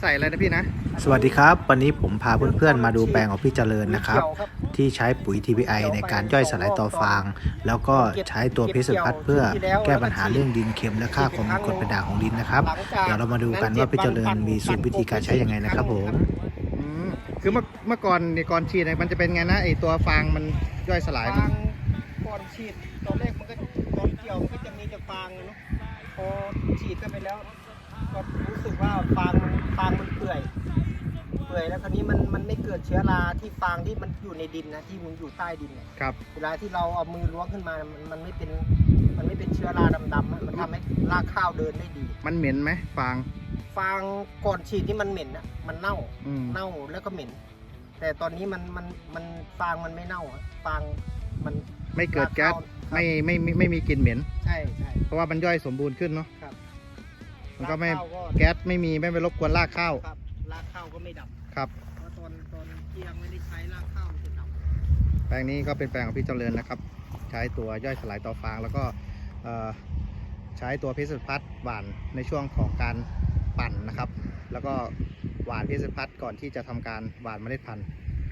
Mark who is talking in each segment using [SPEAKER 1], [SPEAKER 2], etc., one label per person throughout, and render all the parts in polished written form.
[SPEAKER 1] ใส่อะไรนะพี่นะ
[SPEAKER 2] สวัสดีครับวันนี้ผมพาเพื่อนๆมาดูแปลงของพี่เจริญนะครับที่ใช้ปุ๋ย TPI ในการย่อยสลายต่อฟางแล้วก็ใช้ตัวพิษพัดเพื่อแก้ปัญหาเรื่องดินเค็มและค่าความเป็นกรดเป็นด่างของดินนะครับเดี๋ยวเรามาดูกันว่าพี่เจริญมีสูตรวิธีการใช้ยังไงนะครับผม
[SPEAKER 1] คือเมื่อก่อนฉีดมันจะเป็นไงนะไอตัวฟางมันย่อยสลาย
[SPEAKER 3] ฟางก่อนฉีดตอนแรกมันก็ตอนเกี่ยวมันก็จะมีแต่ฟางเนาะพอฉีดกันไปแล้วก็รู้สึกว่าฟางมันเปื่อยแล้วคราวนี้มันไม่เกิดเชื้อราที่ฟางที่มันอยู่ในดินนะที่มันอยู่ใต้ดิน
[SPEAKER 1] ครับ
[SPEAKER 3] เวลาที่เราเอามือล้วงขึ้นมามันไม่เป็นเชื้อราดำๆมันทำให้รากข้าวเดินได้ดี
[SPEAKER 1] มันเหม็นไหมฟาง
[SPEAKER 3] ก่อนฉีดที่มันเหม็นอ่ะมันเน่าแล้วก็เหม็นแต่ตอนนี้มันฟางมันไม่เน่าฟางมัน
[SPEAKER 1] ไม่เกิดแก๊สไม่มีกลิ่นเหม็น
[SPEAKER 3] ใช่
[SPEAKER 1] เพราะว่ามันย่อยสมบูรณ์ขึ้นเนาะ
[SPEAKER 3] ครับ
[SPEAKER 1] มันก็ไม่แก๊สไม่ไปรบกวนรากข้าว
[SPEAKER 3] ครับรากข้าวก็ไม่ดับ
[SPEAKER 1] ครับ
[SPEAKER 3] เพราะตอนที่ยังไม่ได้ใช้รากข้าวมันจะดับ
[SPEAKER 1] แปลงนี้ก็เป็นแปลงของพี่เจริญนะครับใช้ตัวย่อยสลายต่อฟางแล้วก็ใช้ตัวพิษพัดหว่านในช่วงของการปั่นนะครับแล้วก็หว่านพิษพัดก่อนที่จะทำการหว่านเมล็ดพันธุ์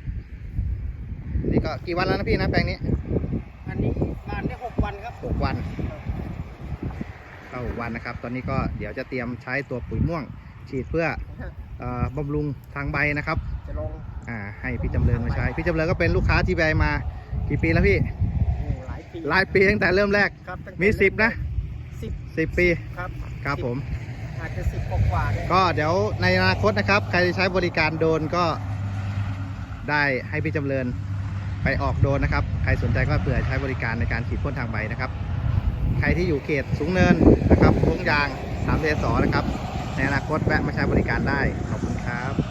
[SPEAKER 1] นี่ก็กี่วันแล้วนะพี่นะแปลงนี้
[SPEAKER 3] อันนี้หว่านได้6 วันครับ
[SPEAKER 1] 6 วันก็6 วันนะครับตอนนี้ก็เดี๋ยวจะเตรียมใช้ตัวปุ๋ยม่วงฉีดเพื่อบำรุงทางใบนะครับ
[SPEAKER 3] จะลง
[SPEAKER 1] ให้พี่จำเริญมาใช้พี่จำเริญก็เป็นลูกค้าที่ใบมากี่ปีแล้วพี่หลายปีตั้งแต่เริ่มแรกมี10นะ10 ปีครับผม
[SPEAKER 3] อาจจะ10 กว่า
[SPEAKER 1] ก็เดี๋ยวในอนาคตนะครับใครใช้บริการโดรนก็ได้ให้พี่จำเริญไปออกโดรนนะครับใครสนใจก็เผื่อใช้บริการในการฉีดพ่นทางใบนะครับใครที่อยู่เขตสูงเนินนะครับโค้งยาง3 เดสนะครับในอนาคตแวะมาใช้บริการได้ขอบคุณครับ